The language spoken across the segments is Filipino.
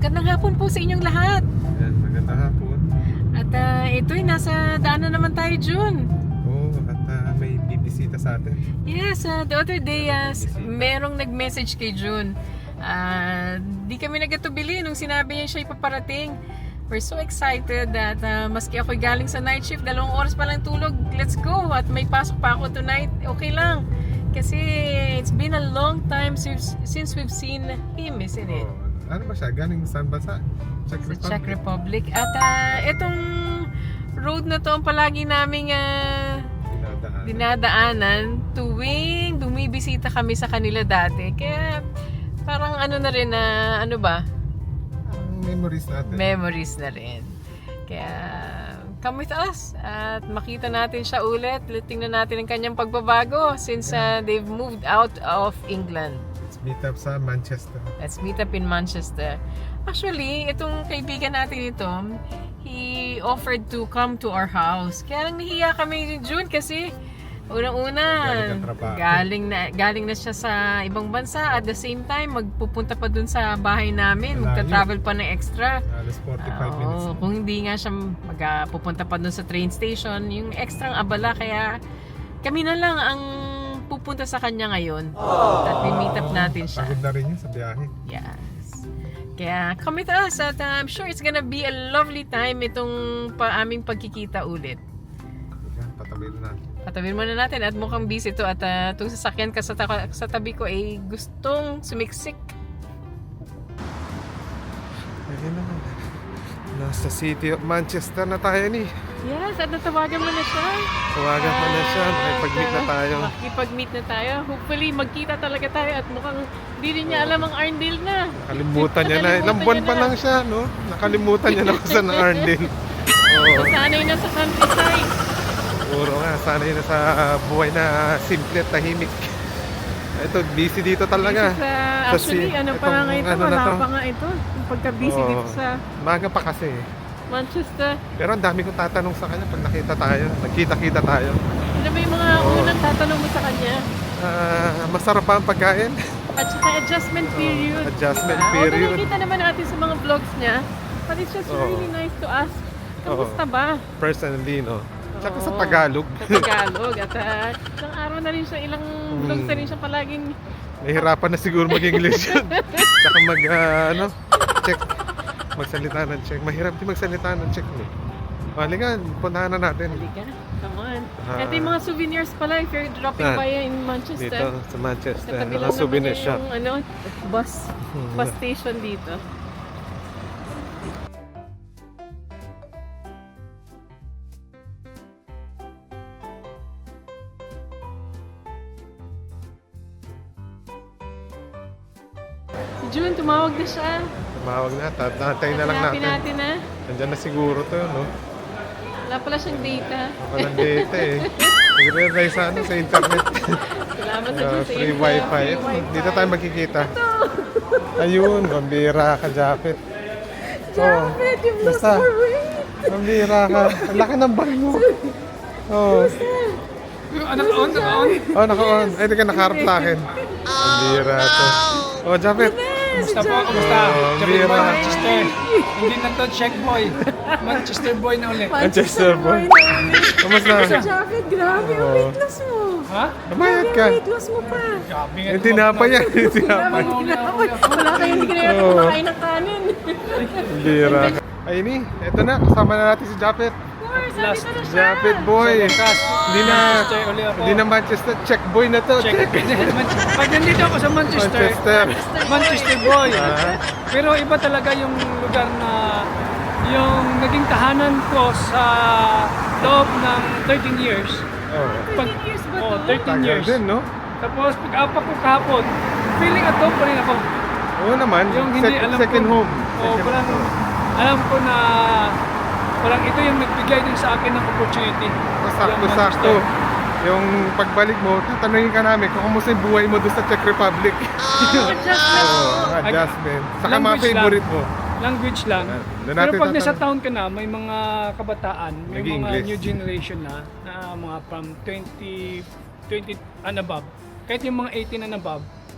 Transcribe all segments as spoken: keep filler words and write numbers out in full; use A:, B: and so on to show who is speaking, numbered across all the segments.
A: Magandang hapon po sa inyong lahat.
B: Ayan, magandang hapon.
A: At uh, ito'y nasa daan na naman tayo, June.
B: Oo, at uh, may bibisita sa atin.
A: Yes, uh, the other day, uh,
B: Bisita.
A: merong nag-message kay June. Uh, di kami nagatubili nung sinabi niya siya ipaparating. We're so excited that uh, maski ako'y galing sa night shift, dalawang oras pa lang tulog, let's go. At may pasok pa ako tonight, okay lang. Kasi it's been a long time since, since we've seen him, isn't it?
B: Oo. Ano ba siya? Galing saan bansa? Czech
A: Sa
B: Republic?
A: Czech Republic. At uh, itong road na to ang palagi naming uh,
B: Dinadaan.
A: dinadaanan tuwing bumibisita kami sa kanila dati. Kaya parang ano na rin na ano ba?
B: Ang memories natin.
A: Memories na rin. Kaya come with us at makita natin siya ulit. Tingnan natin ang kanyang pagbabago since uh, they've moved out of England.
B: Let's meet up sa Manchester.
A: Let's meet up in Manchester. Actually, itong kaibigan natin ito, he offered to come to our house. Kaya lang nahiya kami ni June kasi unang-una,
B: Galing ang trabaho.
A: galing na, galing na siya sa ibang bansa. At the same time, magpupunta pa dun sa bahay namin.
B: Malayo.
A: Magta-travel pa ng extra.
B: Alas forty-five minutes.
A: Oo, kung hindi nga siya magpupunta pa dun sa train station, yung extrang abala. Kaya kami na lang ang pupunta sa kanya ngayon. At we-meet up natin siya.
B: Pagod na rin yun sa biyahe.
A: Yes. Kaya come with us at uh, I'm sure it's gonna be a lovely time itong pa aming pagkikita ulit.
B: Yan, patabi na natin.
A: Patawin muna natin at mukhang busy to at uh, itong sasakyan ka sa, ta- sa tabi ko ay gustong sumiksik.
B: Ayun naman. Nasa City of Manchester na tayo ni.
A: Yes, at natawagan mo na siya.
B: Tawagan ko na siya. Makipag-meet na tayo.
A: Makipag-meet na tayo. Hopefully magkita talaga tayo at mukhang hindi rin niya alam ang Arndale na.
B: Nakalimutan niya na. Ilang
A: Nakalimutan
B: buwan
A: niya
B: pa
A: na.
B: lang siya, no? Nakalimutan niya na kung saan ang Arndale. Oo.
A: Sanay na sa countryside.
B: Siguro nga, sanay na sa buhay na simple at tahimik. Ito, busy dito talaga.
A: Sa,
B: Kasi
A: actually, ano pa
B: itong
A: nga ito,
B: ano na
A: wala
B: to.
A: pa nga ito. Yung pagka-busy
B: Oo.
A: dito sa
B: Maga pa kasi.
A: Manchester.
B: Pero ang dami kong tatanong sa kanya pag nakita tayo. Nagkita-kita tayo.
A: Ano ba yung mga
B: Oo.
A: unang tatanong mo sa kanya?
B: Ah, masarap ba ang pagkain?
A: At saka adjustment period.
B: adjustment
A: diba?
B: period.
A: Although nakita naman natin sa mga vlogs niya, but it's just
B: Oo.
A: really nice to ask, kamusta
B: Oo.
A: ba?
B: Personally, no? Tsaka sa
A: Oo.
B: Tagalog.
A: Sa Tagalog. At uh, isang araw na rin siya, ilang vlogs na rin siya palaging
B: Nahihirapan na siguro mag-English yun. Tsaka mag, ah, ano, check. Magsalita ng check. Mahirap din magsalita ng check, no? Halika, puntahan na natin.
A: halika. Come on.
B: Ah.
A: Ito yung mga souvenirs pala if you're dropping
B: Saan?
A: by in Manchester.
B: Dito, sa Manchester.
A: Katabi lang
B: Mga
A: naman
B: souvenir
A: niya
B: shop.
A: yung ano, bus,
B: Hmm.
A: bus station dito. Si June, tumawag na siya.
B: Tumawag na, tatay na lang
A: Hanapin
B: natin.
A: natin ha.
B: Nandiyan na siguro to, no?
A: Wala pala siyang data.
B: Walang data eh. Nagre-rely sa ano, sa internet.
A: Salamat sa
B: Ah,
A: Diyos sa
B: free
A: info,
B: wifi.
A: free wifi.
B: Dito tayo magkikita. Ayun, mambira ka, Japet.
A: Japet, you've lost
B: basta.
A: more weight.
B: Mambira ka. Ang laki ng bag mo. Oh.
C: Naka-on, naka-on.
B: Oh, naka-on. Ay, di ka nakaharap sa akin. Mambira to. Oh, Japet.
C: Kumusta po? Kumusta?
B: Oh,
C: Sabi
B: bira.
C: mo, Manchester. Hindi na to Czech boy. Manchester boy na ulit.
B: Manchester boy. Kamusta?
A: Sa jacket, grabe ang
B: Oo.
A: weight loss mo.
C: Ha?
B: Nabayad ka.
A: Ang weight loss mo pa.
C: Grabe nga.
B: Hindi na pa yan. Hindi na pa.
A: Grabe, hindi na ako. Wala kayo, hindi ka na yata
B: Oo.
A: kumakain ng kanin.
B: Mambira ka. Ay, ni. Eto na. Kasama na natin si Japet.
A: Of course, nandito na siya.
B: Japet boy.
C: Kas,
B: Hindi na.
C: Manchester ulit ako.
B: Hindi na Manchester. Czech boy na to.
C: Czech.
B: Czech.
C: Pag nandito ako sa Manchester,
B: Manchester.
C: Manchester boy.
B: Ah.
C: Pero iba talaga yung lugar na yung naging tahanan ko sa loob ng thirteen years.
B: Oh.
C: Pag,
A: thirteen years ba
C: oh,
A: to?
C: thirteen
B: Tagal
C: years.
B: din, no?
C: Tapos pag-apa ko kahapon, feeling at home pa rin ako.
B: Oo naman.
C: Yung hindi
B: Sec-
C: alam
B: second
C: ko,
B: home.
C: Oh,
B: Second
C: parang
B: home.
C: alam ko na parang ito yung nagbigay din sa akin ng opportunity. Yung
B: Sakto-sakto.
C: Manchester.
B: Yung pagbalik mo, tatanungin ka namin kung kumusta yung buhay mo doon sa Czech Republic.
A: Adjustment.
B: Oo, adjustment. Saka mga
C: Language
B: favorite mo.
C: Language lang.
B: Doon
C: Pero
B: natin
C: pag nasa
B: tatanong.
C: town ka na, may mga kabataan, may mga
B: Nag-i-English.
C: new generation na, na mga from twenty, twenty and above. Kahit yung mga eighteen and above,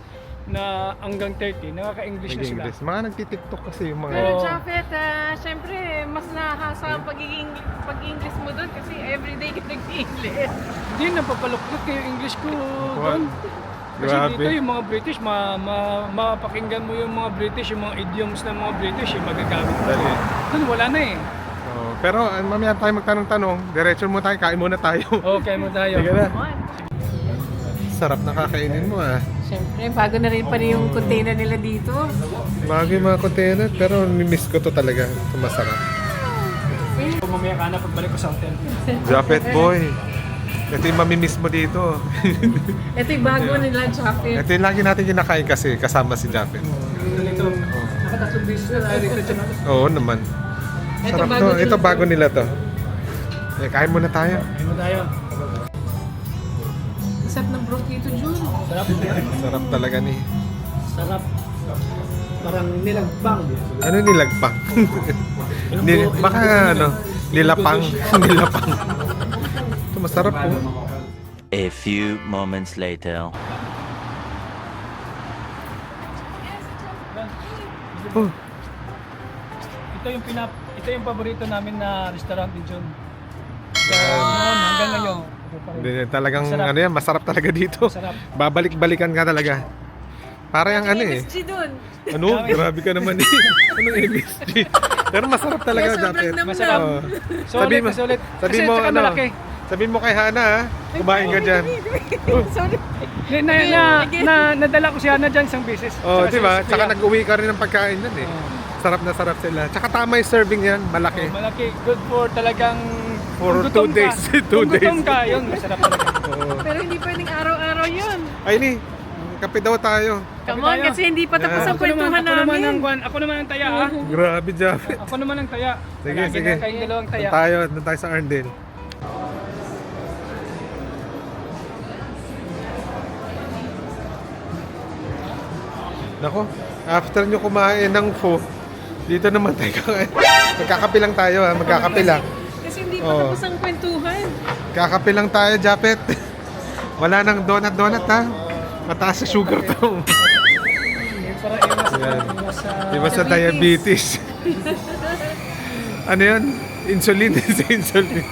C: na hanggang thirty, nakaka-English na sila.
B: Nag-English. Mga nagtitiktok kasi yung mga...
A: Pero
C: Oo.
A: Japet, ah, syempre, mas nahasa ang pagiging pag-English mo doon kasi everyday ka nag-English.
C: Hindi, napapaluktot kayo English ko doon. Kasi
B: Grabe.
C: dito yung mga British, ma, ma, mapakinggan mo yung mga British, yung mga idioms ng mga British, yung magagamit mo.
B: Dali.
C: Doon wala na eh.
B: Oh, pero uh, mamaya tayo magtanong-tanong. Diretso mo tayo, kain muna tayo.
C: Okay mo tayo.
B: Sige na.
A: Come on.
B: Sarap na kakainin mo ah.
A: Syempre, bago na rin pa rin yung container nila dito.
B: Bago yung mga container, pero miss ko to talaga. Ito masarap.
C: Mamaya ka na pagbalik ko sa hotel.
B: Japet boy. Ito yung mamimiss mo dito.
A: Ito yung bago nila, Japet.
B: Ito yung lagi natin kinakain kasi kasama si Japet.
C: Dito, nakatatlong beses na tayo dito. Tiyan.
B: Oo naman.
A: Ito
B: Sarap
A: bago
B: to.
A: nila
B: Ito
A: to.
B: bago nila to. Eh, kain muna tayo.
C: Kain mo tayo.
A: Sarap ng broth dito, Jun.
C: Sarap.
B: Sarap talaga ni.
C: Sarap. Parang nilagpang.
B: Ano nilagpang? Nil, baka ano, nilapang. Nilapang. Ito masarap po.
D: A few moments later.
B: Oh,
C: Ito yung pinap ito yung paborito namin na restaurant din John. Kaya noon hanggang ngayon. ito pa rin.
B: hindi, talagang
C: Masarap.
B: ano yan, masarap talaga dito.
C: Masarap.
B: Babalik-balikan ka talaga. Para yung ano eh.
A: M S G dun.
B: Ano? Grabe ka naman eh. Anong M S G? Pero masarap talaga,
A: Kaya sobrang
B: Japet.
A: nam-
C: Masarap.
B: Oo.
C: Solid,
B: Sabi mo,
C: solid.
B: sabi
C: Kasi
B: mo
C: tsaka
B: ano,
C: malaki.
B: sabi mo kay Hana ha, kumain ka dyan.
A: Sorry.
C: Na, na, na, na, nadala ko si Hana dyan isang beses.
B: Oh,
C: Tsaka
B: di ba?
C: si
B: Tsaka
C: Kuya.
B: nag-uwi ka rin ng pagkain dyan eh.
C: Oo.
B: Sarap na sarap sila. Tsaka tama yung serving yan, malaki.
C: Oh, malaki. Good for talagang
B: For
C: kung
B: two
C: gutom ka.
B: days. Two
C: Kung gutom
B: days.
C: ka, yun, masarap talaga.
B: Oo.
A: Pero hindi pwedeng araw-araw yun.
B: Ay ni, kape daw tayo.
A: Come
C: Sabi
A: on,
C: tayo.
A: kasi hindi pa tapos
B: Yeah.
A: ang
C: Ako naman,
A: kwentuhan
C: ako naman ang
A: namin.
C: kwan, ako naman ang taya ha.
B: Grabe, Japet.
C: Ako naman ang taya.
B: Sige,
C: Lagi
B: sige.
C: na kayong dalawang taya.
B: Doon tayo, doon tayo sa Arndale. Nako, after nyo kumain ng pho, dito naman tayo kakain. Magkakape lang tayo ha, magkakape lang.
A: Kasi hindi pa
B: Oo.
A: tapos ang kwentuhan.
B: Kakape lang tayo, Japet. Wala nang donut-donut ha. Mataas sa sugar to.
C: Para iwas,
B: Yan.
C: iwas sa...
B: Iba sa diabetes. Ano yan? Insulin. Sa insulin.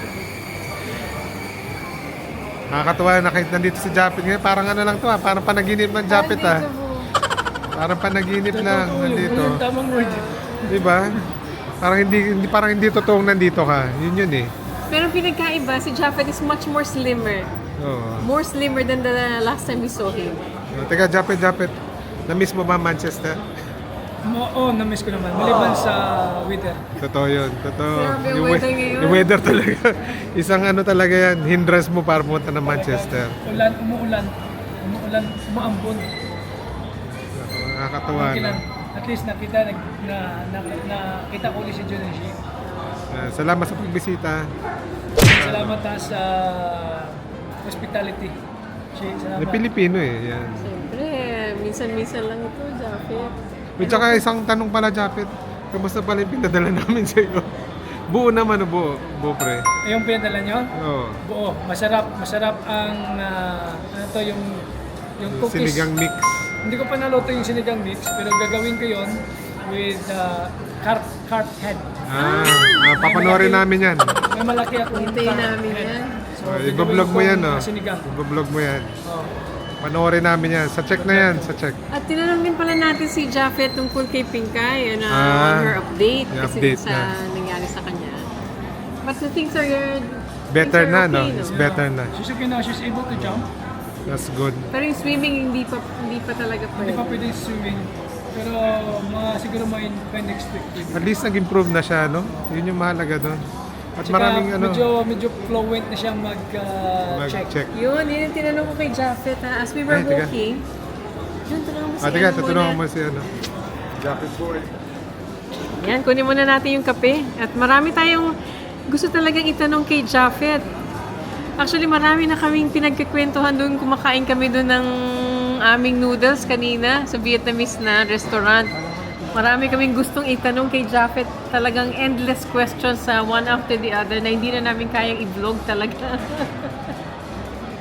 B: Nakakatuwa na kahit nandito si Japet ngayon. Parang ano lang to ha. Parang panaginip ng Japet ha. Parang panaginip lang nandito.
C: Yung tamang word.
B: Di ba? Parang hindi, hindi parang hindi totoong nandito ka. Yun yun eh.
A: Pero pinagkaiba, si Japet is much more slimmer.
B: Oo.
A: More slimmer than the last time we saw him.
B: Oh, teka, Japet, Japet. Na-miss mo ba Manchester?
C: Mo, oh, na-miss ko naman. Maliban sa weather.
B: Totoo yun. Totoo.
A: Grabe yung weather ngayon.
B: yung weather talaga. Isang ano talaga yan. Hindrance mo para pumunta ng Manchester.
C: Ulan, umuulan. Umuulan, umuambon.
B: Nakakatuwa
C: Okay
B: na.
C: lang. At least nakita, nag, na, na, na, kita ko ulit si John and Shi.
B: Uh, salamat sa pagbisita.
C: Salamat ha sa hospitality. Shi,
B: Na
C: salamat.
B: Pilipino eh. Yan.
A: Siyempre, minsan-minsan lang ito, Japet.
B: At saka isang tanong pala, Japet. Kamusta pala yung pinadala namin sa iyo? Buo naman o buo? Buo pre.
C: Eh, yung pinadala nyo?
B: Oo.
C: Buo. Masarap. Masarap ang, ah, ano to, yung, yung cookies.
B: Sinigang mix.
C: Hindi ko pa naluto yung sinigang mix, pero gagawin ko yon with uh, carp, carp head.
B: Ah, ah papanoorin namin yan.
C: May malaki akong
A: Hintayin
C: carp
A: namin
C: head.
A: yan.
C: So,
B: Oh,
C: gagawin
B: i-vlog mo
C: kong,
B: yan, oh.
C: uh, Sinigang.
B: I-vlog mo yan.
C: Oh.
B: Panoorin namin yan. Sa check na yan, sa check.
A: At tinanong din pala natin si Japet tungkol kay Pinkay ano,
B: Ah,
A: on her update
B: yung
A: kasi
B: update
A: sa
B: niya.
A: nangyari sa kanya. But the things are
B: Better
A: things
B: na,
A: are
B: no?
A: okay,
B: It's better na.
C: She's okay na. She's able to jump.
B: That's good.
A: Pero yung swimming hindi pa hindi pa talaga
C: Hindi pa
A: pwede.
C: pwede swimming. Pero mga siguro mga in- pa next week.
B: At least nag-improve na siya, no? Yun yung mahalaga doon. At
C: Tsaka
B: maraming ano,
C: medyo, medyo fluent na siyang mag-check.
B: mag-check.
A: Yun, yun yung tinanong ko kay Japet ha. As we were
B: Ay, teka.
A: walking, yun, tanong mo si
B: Ah, teka,
A: ano
B: tutulungan
A: muna.
B: mo si ano. Japet boy.
A: Yan, kunin muna natin yung kape. At marami tayong gusto talagang itanong kay Japet. Actually, marami na kaming pinagkikwentuhan doon. Kumakain kami doon ng aming noodles kanina sa Vietnamese na restaurant. Marami kaming gustong itanong kay Japet. Talagang endless questions sa one after the other na hindi na namin kayang i-vlog talaga.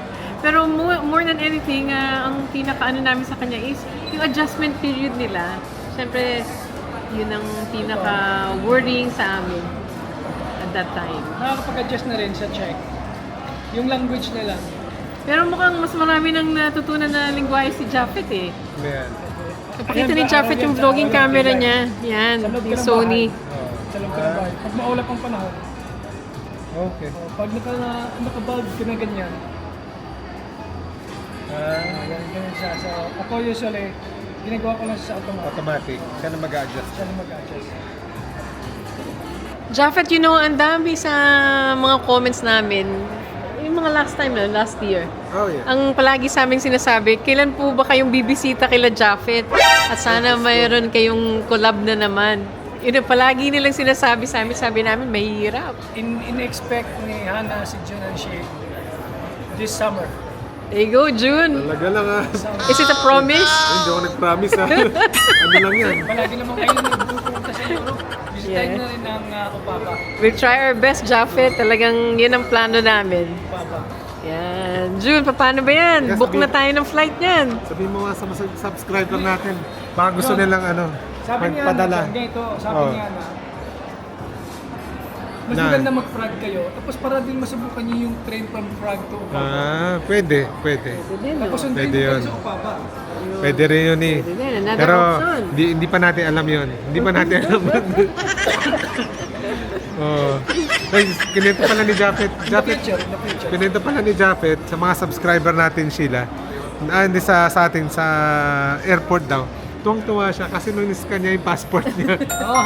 A: Pero more, more than anything, ah, ang pinaka-ano namin sa kanya is yung adjustment period nila. Siyempre, yun ang pinaka-wording sa amin at that time.
C: Nakakapag-adjust na rin sa Czech. Yung language nila.
A: Pero mukhang mas marami nang natutunan na lingwahe si Japhet eh.
B: Ayan.
A: Nakita ni Japhet yung vlogging camera niya. Yan,
C: Sa loob
A: yung
C: ka ng
A: Sony.
C: bahay. Sa loob ka ng bahay. Pag maulap ang panahon,
B: Okay.
C: oh, pag naka, naka-bulb ka na ganyan,
B: Ah,
C: ganyan, ganyan siya. So, ako usually, ginagawa ko lang siya sa automatic.
B: automatic. Siya na mag-adjust.
C: Siya na mag-adjust.
A: Japhet, you know, ang dami sa mga comments namin. Yung mga last time na, last year.
B: Oh, yeah.
A: Ang palagi sa aming sinasabi, kailan po ba kayong bibisita kila Japhet? At sana mayroon kayong collab na naman. Yun ang palagi nilang sinasabi sa amin. Sabi namin, mahirap.
C: In, in-expect ni Hannah si Jun and she this summer.
A: There you go, June.
B: Talaga lang ah.
A: Is it a promise?
B: Ay, hindi ako nag-promise ah. Ano lang yan?
C: Palagi naman kayo nagpupunta sa Europe. Bisitahin
A: Yeah.
C: na rin ang uh, Opapa.
A: We'll try our best, Japhet. Talagang yun ang plano namin.
C: Opapa.
A: Yan. June, paano ba yan?
B: Yes,
A: Book
B: sabi-
A: na tayo ng flight niyan.
B: Sabihin mo nga sa mga subscriber natin. Baka gusto nilang ano,
C: Sabi niya,
B: magpadala.
C: Hannah, ganito, sabi
B: Oh.
C: niya na, mas
B: Na-
C: maganda mag-frag kayo, tapos para din masubukan niyo yung train from Prague to Opapa.
B: Ah, pwede, pwede.
C: Tapos yung train
B: Pwede
C: kayo
B: yun.
C: sa Opapa.
B: Pwede rin yun eh.
A: Pwede din, another
B: Pero
A: option.
B: hindi, hindi pa natin alam yun. Hindi pa natin alam. oh. Ay, kinento pala ni Japhet.
C: In the
B: Japhet,
C: future, in the future.
B: kinento pala ni Japhet sa mga subscriber natin sila. Ah, hindi sa, sa atin sa airport daw. Tuwang-tuwa siya kasi nung niskan niya yung passport niya.
C: Oh,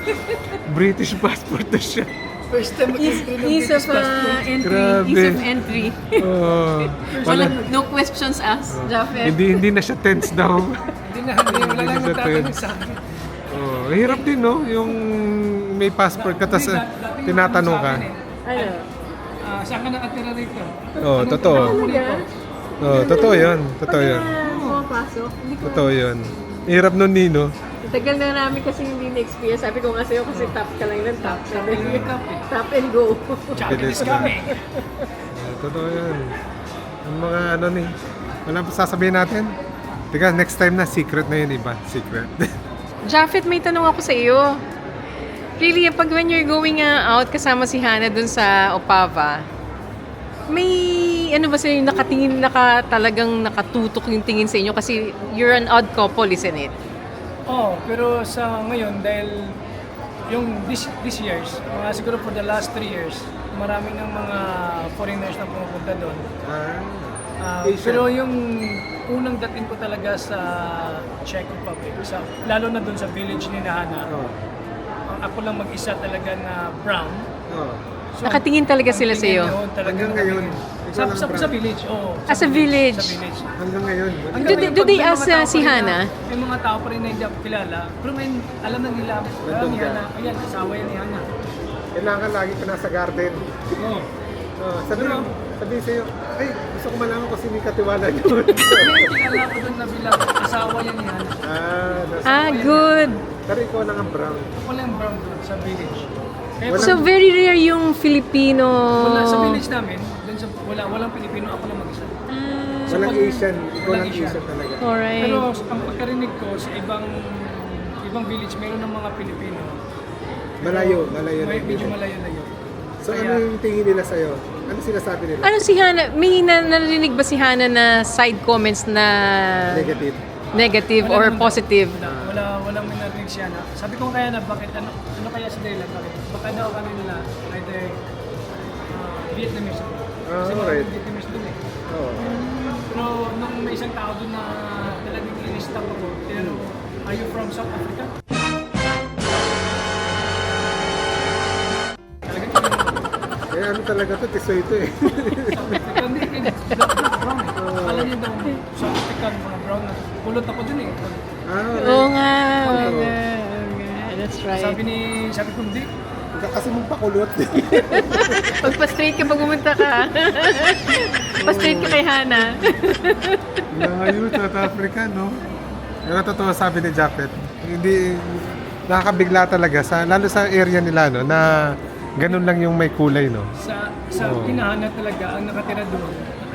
B: British passport na siya.
C: first time
A: Ease,
C: mag-entry ng
A: ease of
C: British passport.
A: uh, entry.
B: Grabe.
A: Ease of entry.
B: Oh,
A: Wala,
B: wala,
A: no questions asked, Japhet.
B: hindi hindi na siya tense daw.
C: Hindi na, hindi, wala lang
B: Hindi siya
C: magtatanong sa akin.
B: Oh, hirap din no, yung may passport ka tapos
C: Hindi,
B: uh,
C: dat- dating
B: tinatanong
C: sa
B: ka.
C: akin eh,
A: Ano?
C: ah, saan ka nakatira rito?
B: Oh,
C: Anong
B: totoo.
C: trabaho mo rito?
B: Oh, totoo 'yun. Totoo 'yun.
A: Pag pumapasok, hindi ko.
B: Totoo 'yun. Hirap nun Nino.
A: Tagal na namin kasi hindi na-experience. Sabi ko nga sa'yo kasi top ka lang ng top. Sabi
C: Sabi
A: ko,
C: ng top eh.
A: top and go.
C: Jacket is
B: Pwede
C: coming.
B: Oh, totoo 'yun. Yung mga ano ni, wala pa sasabihin natin. Teka, next time na secret na 'yun iba, secret.
A: Japhet, may tanong ako sa iyo. Really, pag when you're going uh, out kasama si Hannah dun sa Opava, may ano ba sa'yo, nakatingin, naka, talagang nakatutok yung tingin sa inyo kasi you're an odd couple, isn't it?
C: Oh, pero sa ngayon dahil yung this this years, mga siguro for the last three years, marami ng mga foreigners na pumupunta doon.
B: Ah,
C: Ah,
B: Asian.
C: pero yung unang dating ko talaga sa Czech Republic, sa, lalo na doon sa village ni Hannah,
B: oh.
C: ang ako lang mag-isa talaga na brown.
B: Oh.
C: So,
A: Nakatingin talaga
C: ang
A: sila
C: tingin
A: sa'yo?
C: yun, talagang
B: Hanggang ngayon,
C: nakatingin.
B: ikaw
C: Sa,
B: lang
C: sa,
B: brown.
C: sa village, oo.
A: Ah, sa village.
C: Sa village.
B: Hanggang ngayon.
A: Do
C: Hanggang
A: they-
C: ngayon,
A: do
C: pag
A: they
C: may mga
A: ask,
C: tao
A: uh,
C: pa
A: si
C: rin na-
A: Hannah?
C: May mga tao pa rin na hindi ako kilala, pero may alam na nila, alam
B: Nandun
C: ni
B: ka.
C: Hannah, ayan, asawa yan ni Hannah.
B: Kailangan lagi ka nasa garden.
C: Oo.
B: Oh, sabi
C: Pero-
B: sabi sa'yo, ay, gusto ko malaman kung sino yung katiwala niyo.
C: May kilala ko doon na bilang asawa yan ni Hannah.
B: ah, nasa,
A: Ah, good.
B: pero ikaw lang ang brown.
C: Ako lang brown doon sa village. Kaya
B: Walang-
A: So, very rare yung Filipino.
C: wala sa village namin, doon sa wala walang Pilipino, ako lang mag-isa.
A: Ah,
B: Walang
C: pag-
B: Asian, ikaw
C: walang
B: lang
C: Asian.
B: Asian talaga.
A: alright.
C: Pero ang pagkarinig ko sa ibang ibang village, meron ng mga Pilipino.
B: Malayo, malayo
C: May
B: na
C: medyo
B: yun.
C: malayo-layo.
B: So ano yung tingin nila sa'yo? Ano sinasabi nila?
A: Ano si Hannah? May na- narinig ba si Hannah na side comments na
B: Negative.
A: negative
C: Wala
A: or
C: naman-
A: positive?
C: Wala, wala, walang may narinig siya na. Sabi ko kaya na, bakit, ano, ano kaya sa dahilan, bakit? Baka daw kami nila, either uh, Vietnamese.
B: Ah,
C: Kasi
B: alright.
C: mga Vietnamese dun eh.
B: Oh.
C: Pero nung may isang tao dun na talagang in-stop ako, pero, are you from South Africa? Talagang
B: Kaya ano talaga to, tisoy ito eh.
C: South Africa, hindi, hindi. Black, black, brown eh. Akala niyo daw, South African, mga brown na. Pulot ako dun eh.
B: ah,
A: Oo nga. Oo
B: Oo.
A: nga. Oo nga. That's
C: Sabi
A: right.
C: ni, sabi ko, hindi.
B: Huwag kasi mong pakulot.
A: Pagpa-straight ka pag pumunta ka. Pa-straight ka kay Hannah.
B: Layo, South Africa, no? Pero totoo sabi ni Japhet, hindi, nakakabigla talaga, sa, lalo sa area nila, no, na ganun lang yung may kulay, no?
C: Sa sa
B: Oo.
C: Pinahanan talaga ang nakatira doon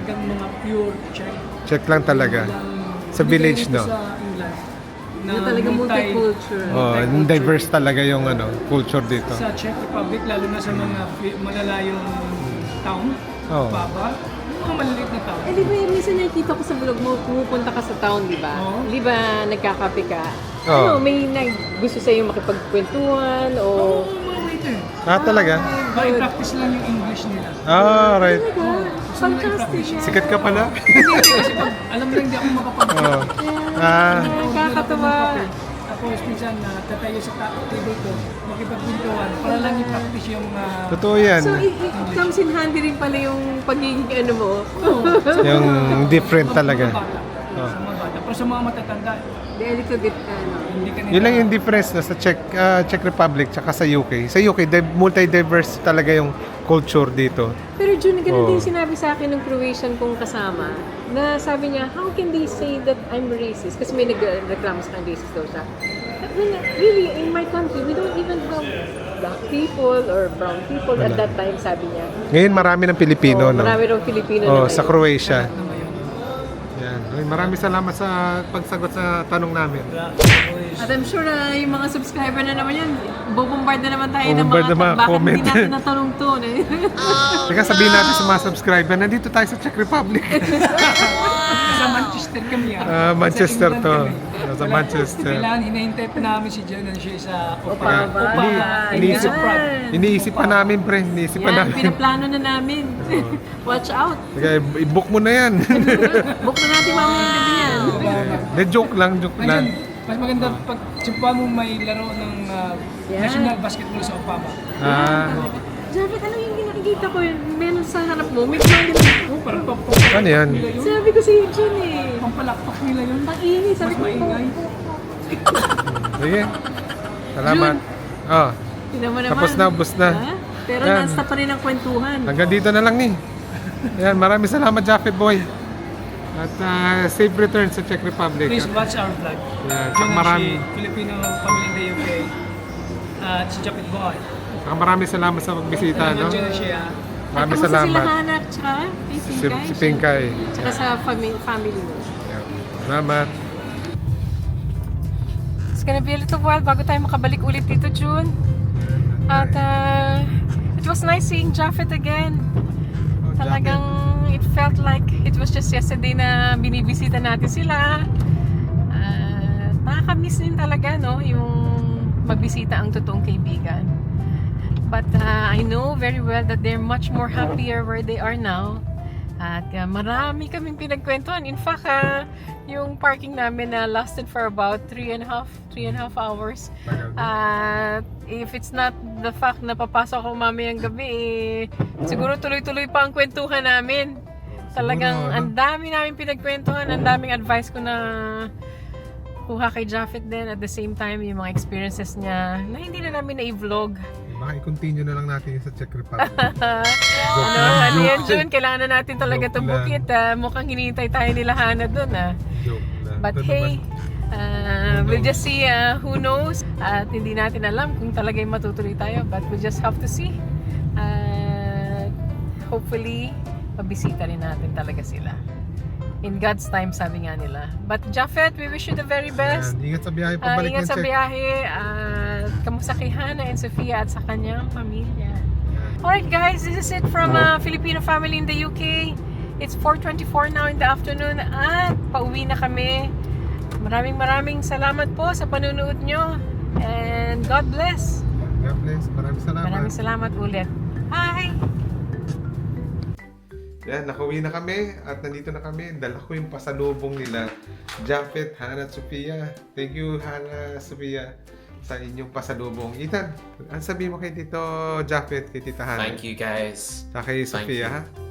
C: talagang mga pure Czech.
B: Czech lang talaga.
C: Walang-
B: Sa
C: hindi
B: village,
C: ganito
B: no?
C: Sa England.
A: Na talagang multicultural.
B: Oh,
C: multicultural.
B: diverse talaga yung ano, culture dito.
C: Sa Czech Republic, lalo na sa mga fi- malalayong town,
B: Oo.
C: Baba, mga maliliit na town.
A: Eh, di ba, minsan nakikita ko sa vlog mo, pumupunta ka sa town, di ba?
C: Oo.
A: Di ba, nagkakape ka?
B: Oo.
A: Ano, may nag gusto sa'yo makipagkwentuhan o...
C: Oo, mga waiter.
B: Ah, talaga?
C: Baka i-practice lang yung English nila.
B: Ah, right.
A: Talaga? Fantastic yan.
B: Sikat ka pala.
C: Hindi, hindi, kasi pag alam mo lang hindi ako makapag
B: Oh. Ah,
A: Nakakatawa.
C: Tapos minsan na tatayo sa ta- table ko, makipagpintuan para lang i-practice yung uh,
B: totoo yan.
A: So, it, it comes in handy rin pala yung pagiging ano mo.
B: Yung different talaga.
C: Mga bata. Sa mga bata. Pero sa mga matatanda,
A: Di, a little bit, ano.
C: hindi ka nila.
B: Yun lang yung difference na sa Czech, ah, Czech Republic tsaka sa U K. Sa U K, di- multi-diverse talaga yung culture dito.
A: Pero June, ganun
B: Oo.
A: din sinabi sa akin ng Croatian kong kasama, na sabi niya, how can they say that I'm racist? Kasi may nagreklamo sa akin, racist daw siya. Well, really, in my country, we don't even have black people or brown people at that time, sabi niya.
B: Ngayon, marami ng Pilipino,
A: Oo,
B: no?
A: Marami rin Filipino
B: Oh,
A: na
B: sa
A: ngayon.
B: Croatia.
C: Ano ba yun?
B: Yan. Ay, maraming salamat sa pagsagot sa tanong namin.
A: At I'm sure na yung mga subscriber na naman yan, bobombard na naman tayo ng
B: Bobombard
A: mga,
B: na mga
A: bakit
B: comment.
A: hindi natin natanong to. eh?
B: Teka, sabihin natin sa mga subscriber, nandito tayo sa Czech Republic.
C: Sa Manchester kami ah.
B: Ah, Manchester
C: Sa England
B: to.
C: kami.
B: Sa
C: Kaya-
B: Manchester.
C: Kailangan hinahintay pa namin si John na siya sa
A: Opava.
C: Opava. Opava.
B: Iniisip-
A: Yan.
B: Iniisip pa namin, pre. Iniisip pa
A: Yan,
B: namin.
A: pinaplano na namin. Watch out.
B: Teka, i-book mo na yan.
A: Book na natin mamaya ng gabi yan.
B: De joke lang, joke
C: Ayun,
B: lang.
C: mas maganda pag sumpa mo may laro ng uh,
A: Yan.
C: national basketball sa Opava.
B: Ah,
A: Javid, ano yung nakikita ko yun? Meron sa harap mo, may plano na.
C: Oh, parang pampalakpak
B: ano yan?
C: nila yun.
A: Sabi ko si Jun eh.
C: Pampalakpak nila yun.
A: Ang ingay, sabi
C: Mas
A: ko.
C: maingay.
B: Sige. Salamat. Oh,
A: Tinan mo naman.
B: tapos na, ubos na.
A: Ha? Pero
B: Yan.
A: nasa pa rin ang kwentuhan.
B: Hanggang dito na lang ni. Yan, maraming salamat, Jaffet Boy. At ah, safe return sa Czech Republic.
C: Please
B: At,
C: watch our vlog.
B: Yeah,
C: John
B: marami.
C: Ashi, Filipino family in the U K. At si Japit Boy.
B: saka maraming salamat sa pagbisita, no?
C: John Ashi ah.
B: Maraming
A: Kamusta sila
B: salamat.
A: Hanak, tsaka kay
B: Si,
A: Pinkay?
B: si Pinkay.
A: Tsaka sa fami- family mo.
B: Yan. Salamat.
A: It's gonna be a little while bago tayo makabalik ulit dito, June. At uh, it was nice seeing Japheth again.
B: Oh,
A: Talagang it felt like it was just yesterday na binibisita natin sila. Uh, nakakamiss din talaga, no? Yung magbisita ang totoong kaibigan. But uh, I know very well that they're much more happier where they are now. At uh, marami kaming pinagkwentuhan. In fact, uh, yung parking namin na lasted for about three and a half, three and a half hours. At if it's not the fact na papasok ako mamayang gabi, eh, siguro tuloy-tuloy pa ang kwentuhan namin. Talagang
B: Siguro, ano?
A: ang dami namin pinagkwentuhan, ang daming advice ko na kuha kay Japheth din. At the same time, yung mga experiences niya na hindi na namin na-vlog.
B: Baka i-continue na lang natin yung sa Czech Republic.
A: Ano, ano yan, June? Kailangan na natin talaga
B: Joke
A: tumukit. Ah. Mukhang hinihintay tayo nila Hana doon. Ah.
B: Joke lang.
A: But
B: Ito
A: hey,
B: naman.
A: uh,
B: Who
A: we'll
B: knows?
A: just see uh, who knows. At hindi natin alam kung talagang matutuloy tayo. But we'll just have to see. Uh, hopefully, mabisita rin natin talaga sila. In God's time, sabi nga nila. But Japheth, we wish you the very best.
B: Yan, ingat sa biyahe
A: Ah,
B: pabalik
A: ingat
B: ng
A: sa
B: Czech.
A: biyahe. At kamusta kay Hana and Sofia at sa kanyang pamilya. Alright guys, this is it from uh, Filipino family in the U K. It's four twenty-four now in the afternoon at pauwi na kami. Maraming maraming salamat po sa panunood nyo. And God bless.
B: God bless. Maraming salamat.
A: Maraming salamat ulit. Bye!
B: Yan, nakauwi na kami at nandito na kami. Dala ko yung pasalubong nila, Japheth, Hana at Sophia. Thank you, Hana, Sophia, sa inyong pasalubong. Ethan, ano sabihin mo kay Tito Japheth, kay Tita Hana?
E: Thank you guys.
B: Sa kay
E: Thank
B: Sophia,
E: you.
B: ha?